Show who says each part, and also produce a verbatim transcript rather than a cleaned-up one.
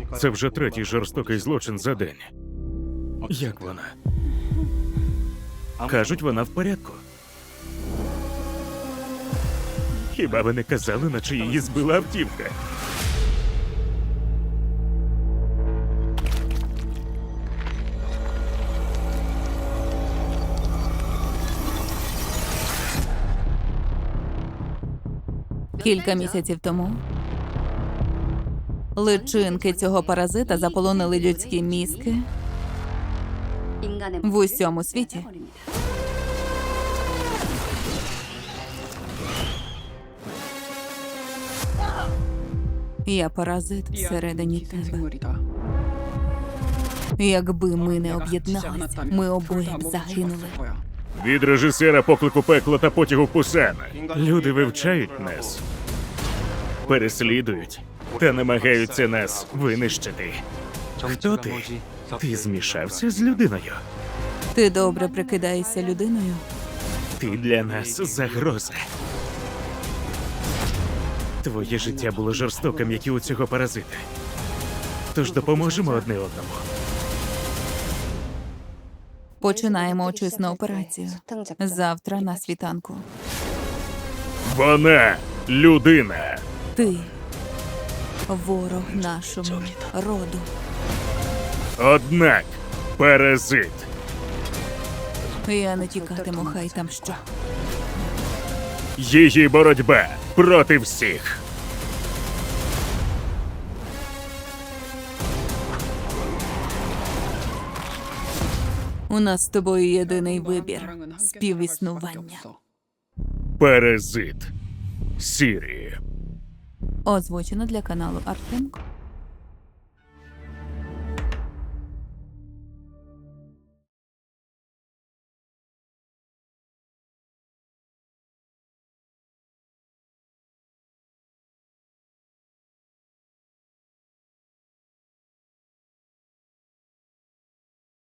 Speaker 1: Це вже третій жорстокий злочин за день. Як вона? Кажуть, вона в порядку. Хіба ви не казали, наче її збила автівка?
Speaker 2: Кілька місяців тому личинки цього паразита заполонили людські мізки в усьому світі. Я паразит всередині тебе. Якби ми не об'єдналися, ми обоє б загинули.
Speaker 1: Від режисера «Поклику пекла» та «Потягу в Пусан». Люди вивчають нас, переслідують та намагаються нас винищити. Хто ти? Ти змішався з людиною?
Speaker 2: Ти добре прикидаєшся людиною?
Speaker 1: Ти для нас загроза. Твоє життя було жорстоким, як і у цього паразита. Тож допоможемо одне одному.
Speaker 2: Починаємо очисну операцію. Завтра на світанку.
Speaker 1: Вона людина.
Speaker 2: Ти ворог нашому роду.
Speaker 1: Однак паразит.
Speaker 2: Я не тікатиму, хай там що.
Speaker 1: Її боротьба проти всіх.
Speaker 2: У нас з тобою єдиний вибір – співіснування.
Speaker 1: Паразит. Сірі.
Speaker 2: Озвучено для каналу Артемко.